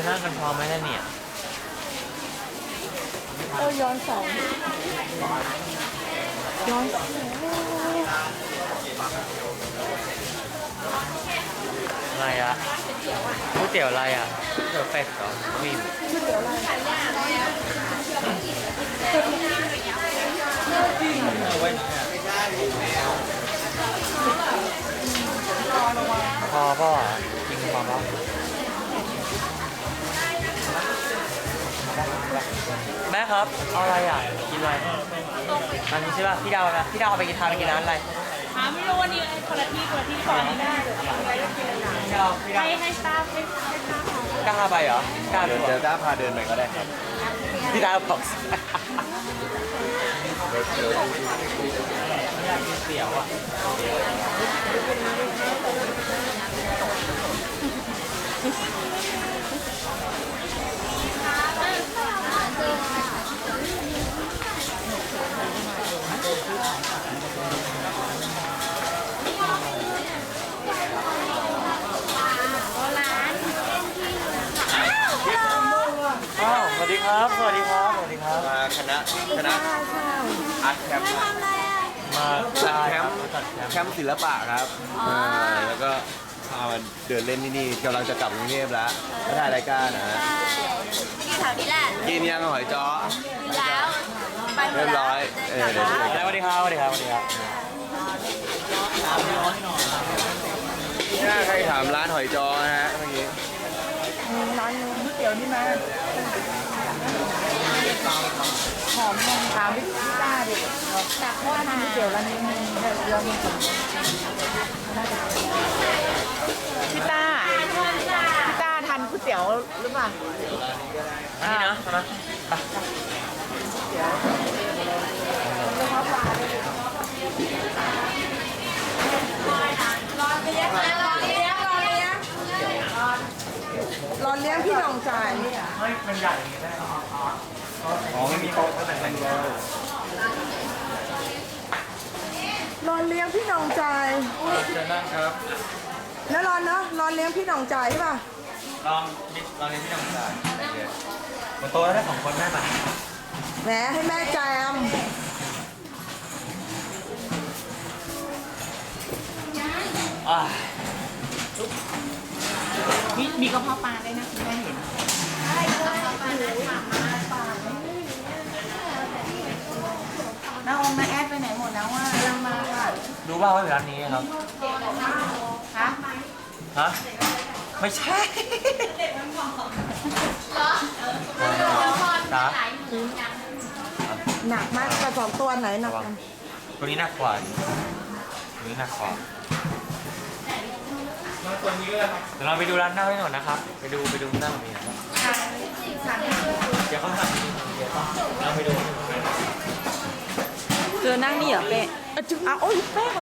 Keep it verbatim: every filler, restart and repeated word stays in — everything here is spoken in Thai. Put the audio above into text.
นั่งกันพร้อมไหมล่ะเนี่ยเออย้อนแสงย้อนแสงอะไรอะก๋วยเตี๋ยวอะไรอะก๋วยเตี๋ยวเป็ดเหรอมีก๋วยเตี๋ยวอะไรพอป่ะกินพอป่ะแม่ครับเอาอะไรอ่ะกินอะไรอันนี้ใช่ป่ะพี่ดาวนะพี่ดาวเอาไปกินทานไปกินร้านอะไรหาไม่รู้วันนี้คนละที่คนละที่ก่อนนี้ได้เดี๋ยวอะไรก็กินเลยนะพี่ดาวพี่ดาวให้ให้สตาฟให้ให้สตาฟของกล้าไปเหรอกล้าเดี๋ยวเดี๋ยวต้าพาเดินไปก็ได้ครับพี่ดาวบอกอยากกินเตี๋ยวอ่ะอ้าวสวัสดีครับ สวัสดีครับ สวัสดีครับมาคณะคณะอาร์ตแคมป์ครับมาจัดแคมป์จัดแคมป์ศิลปะครับาแล้วก็พามาเดินเล่นที่นี่กำลังจะกลับกรุงเทพแล้วมาถ่ายรายการนะฮะที่แถวนี้แหละกินยังหอยจ้อกินแล้วไปหมเรีดยบแล้วร้อยเออเดี๋ยวสวัสดีครับ สวัสดีครับ สวัสดีครับถ้าใครถามร้านหอยจ้อนะฮะเมื่อกี้ร้านนึงก๋วยเตี๋ยวนี่มาหอมนมถามพี่ต้าดิจากว่าทำก๋วยเตี๋ยวร้านนี้มีเรามีคนพี่ต้าพี่ต้าทานก๋วยเตี๋ยวหรือเปล่าอันนี้นะใช่ไหมไปรอเลี้ยงรอเลี้ยงรอเลี้ยงรอเลี้ยงพี่น้องจ่ายเฮ้ย มันใหญ่อย่างนี้ได้เหรออ๋อไม่มีโต๊ะแต่งแต่งตัวรอเลี้ยงพี่น้องจ่ายเชิญนั่งครับแล้วรอเนาะรอเลี้ยงพี่น้องจ่ายใช่ป่ะลองลองเรียนที่น้องจ่ายบนโต๊ะได้สองคนได้ปะแหมให้แม่แจมอ่ามีมีกระเพาะปลาด้วยนะคุณแม่เห็นน้าอมน้าแอดไปไหนหมดแล้วว่ากำลังมาค่ะดูว่าว่าอยู่ร้านนี้ครับฮะฮะ ไม่ใช่จ้าหนักมากกระสอบตัวไหนหนักกันตัวนี้หนักกว่าตัวนี้หนักกว่าเดี๋ยวเราไปดูร้านหน้าไว้ก่อนนะครับ ไปดูไปดูหน้ามีนะครับเดี๋ยวเขาสั่งเดี๋ยวเราไปดูเจอนั่งนี่เหรอเป๊ะอ่ะโอ้ยแป้ง